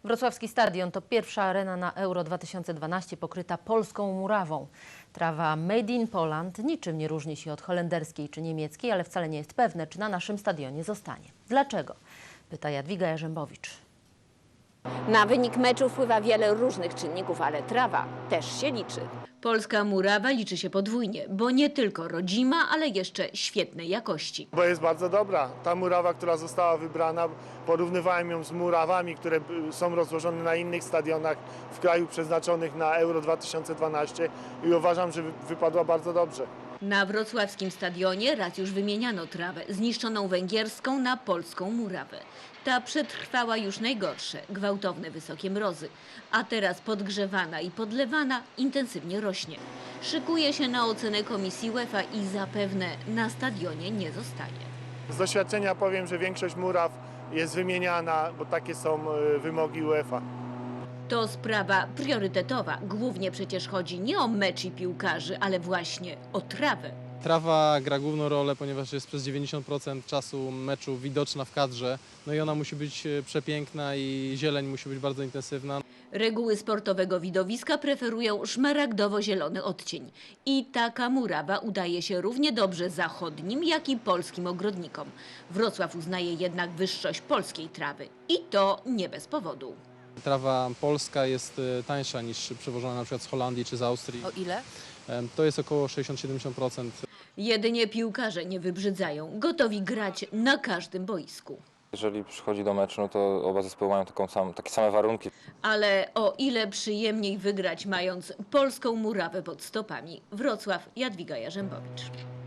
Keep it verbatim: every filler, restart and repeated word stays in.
Wrocławski Stadion to pierwsza arena na Euro dwa tysiące dwanaście pokryta polską murawą. Trawa Made in Poland niczym nie różni się od holenderskiej czy niemieckiej, ale wcale nie jest pewne, czy na naszym stadionie zostanie. Dlaczego? Pyta Jadwiga Jarzębowicz. Na wynik meczu wpływa wiele różnych czynników, ale trawa też się liczy. Polska murawa liczy się podwójnie, bo nie tylko rodzima, ale jeszcze świetnej jakości. Bo jest bardzo dobra. Ta murawa, która została wybrana, porównywałem ją z murawami, które są rozłożone na innych stadionach w kraju przeznaczonych na Euro dwa tysiące dwanaście i uważam, że wypadła bardzo dobrze. Na wrocławskim stadionie raz już wymieniano trawę zniszczoną węgierską na polską murawę. Ta przetrwała już najgorsze, gwałtowne wysokie mrozy, a teraz podgrzewana i podlewana intensywnie rośnie. Szykuje się na ocenę komisji UEFA i zapewne na stadionie nie zostanie. Z doświadczenia powiem, że większość muraw jest wymieniana, bo takie są wymogi UEFA. To sprawa priorytetowa. Głównie przecież chodzi nie o mecz i piłkarzy, ale właśnie o trawę. Trawa gra główną rolę, ponieważ jest przez dziewięćdziesiąt procent czasu meczu widoczna w kadrze. No i ona musi być przepiękna i zieleń musi być bardzo intensywna. Reguły sportowego widowiska preferują szmaragdowo-zielony odcień. I taka murawa udaje się równie dobrze zachodnim, jak i polskim ogrodnikom. Wrocław uznaje jednak wyższość polskiej trawy. I to nie bez powodu. Trawa polska jest tańsza niż przewożona na przykład z Holandii czy z Austrii. O ile? To jest około sześćdziesiąt do siedemdziesięciu procent. Jedynie piłkarze nie wybrzydzają, gotowi grać na każdym boisku. Jeżeli przychodzi do meczu, no to oba zespoły mają taką sam, takie same warunki. Ale o ile przyjemniej wygrać, mając polską murawę pod stopami. Wrocław, Jadwiga Jarzębowicz.